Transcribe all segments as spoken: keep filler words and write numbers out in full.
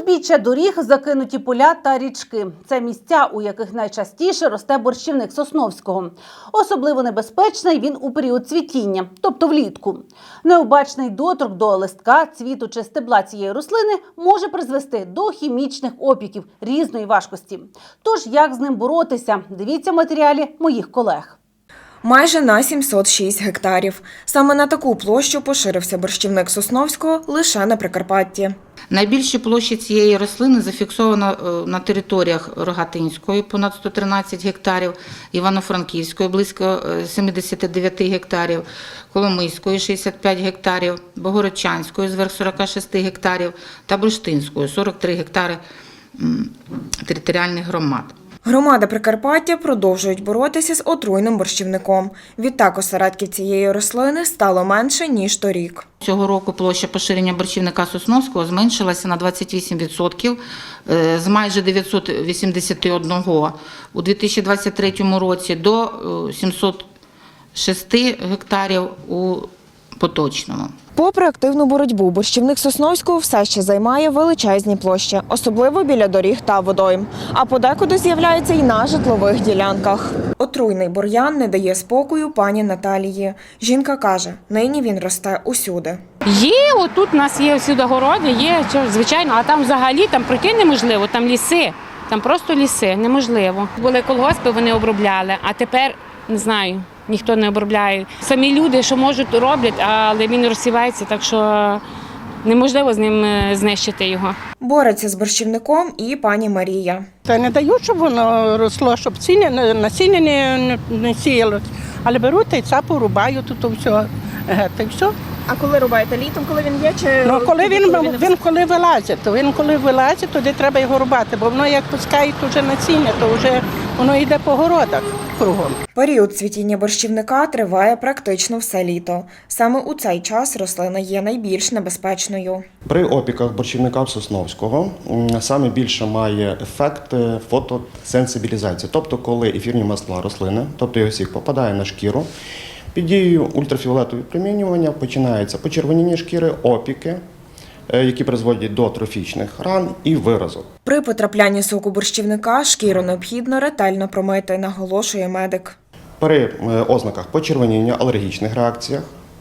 Узбіччя доріг, закинуті поля та річки – це місця, у яких найчастіше росте борщівник сосновського. Особливо небезпечний він у період цвітіння, тобто влітку. Необачний доторк до листка, цвіту чи стебла цієї рослини може призвести до хімічних опіків різної важкості. Тож, як з ним боротися? Дивіться в матеріалі моїх колег. Майже на сімсот шість гектарів. Саме на таку площу поширився борщівник сосновського лише на Прикарпатті. Найбільші площі цієї рослини зафіксовано на територіях Рогатинської – понад сто тринадцять гектарів, Івано-Франківської – близько сімдесят дев'ять гектарів, Коломийської – шістдесят п'ять гектарів, Богородчанської – зверх сорок шість гектарів та Бурштинської – сорок три гектари територіальних громад. Громади Прикарпаття продовжують боротися з отруйним борщівником. Відтак осередків цієї рослини стало менше, ніж торік. Цього року площа поширення борщівника сосновського зменшилася на двадцять вісім відсотків з майже дев'ятсот вісімдесят один у дві тисячі двадцять третьому році до сімсот шість гектарів у поточному. Попри активну боротьбу, борщівник сосновського все ще займає величезні площі, особливо біля доріг та водойм. А подекуди з'являється й на житлових ділянках. Отруйний бур'ян не дає спокою пані Наталії. Жінка каже, нині він росте усюди. Є, отут у нас є всюди городи, є, звичайно, а там взагалі, там пройти неможливо, там ліси, там просто ліси, неможливо. Були колгоспи, вони обробляли, а тепер, не знаю, ніхто не обробляє. Самі люди, що можуть, роблять, але він розсівається, так що неможливо з ним знищити його. Бореться з борщівником і пані Марія. Та не дають, щоб воно росло, щоб ціни, насіння не, не сіялось. Але беруть та й цапу рубають, тут все, та й все. А коли рубаєте? Літом, коли він є? Чи Ну, коли він, він коли вилазить, то він коли вилазить, тоді треба його рубати, бо воно як пускає вже насіння, то вже воно йде по городах кругом. Період цвітіння борщівника триває практично все літо. Саме у цей час рослина є найбільш небезпечною. При опіках борщівника сосновського саме більше має ефект фотосенсибілізації, тобто коли ефірні масла рослини, тобто його сік попадає на шкіру, під дією ультрафіолетового випромінювання починається почервоніння шкіри, опіки, які призводять до трофічних ран і виразок. При потраплянні соку борщівника шкіру необхідно ретельно промити, наголошує медик. При ознаках почервоніння, алергічних реакціях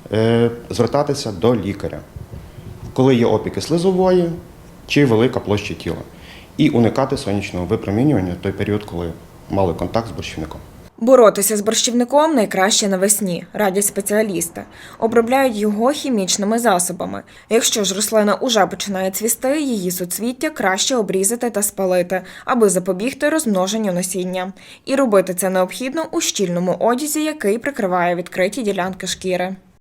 звертатися до лікаря, коли є опіки слизової чи велика площа тіла, і уникати сонячного випромінювання в той період, коли мали контакт з борщівником. Боротися з борщівником найкраще навесні, радять спеціалісти. Обробляють його хімічними засобами. Якщо ж рослина уже починає цвісти, її суцвіття краще обрізати та спалити, аби запобігти розмноженню насіння. І робити це необхідно у щільному одязі, який прикриває відкриті ділянки шкіри.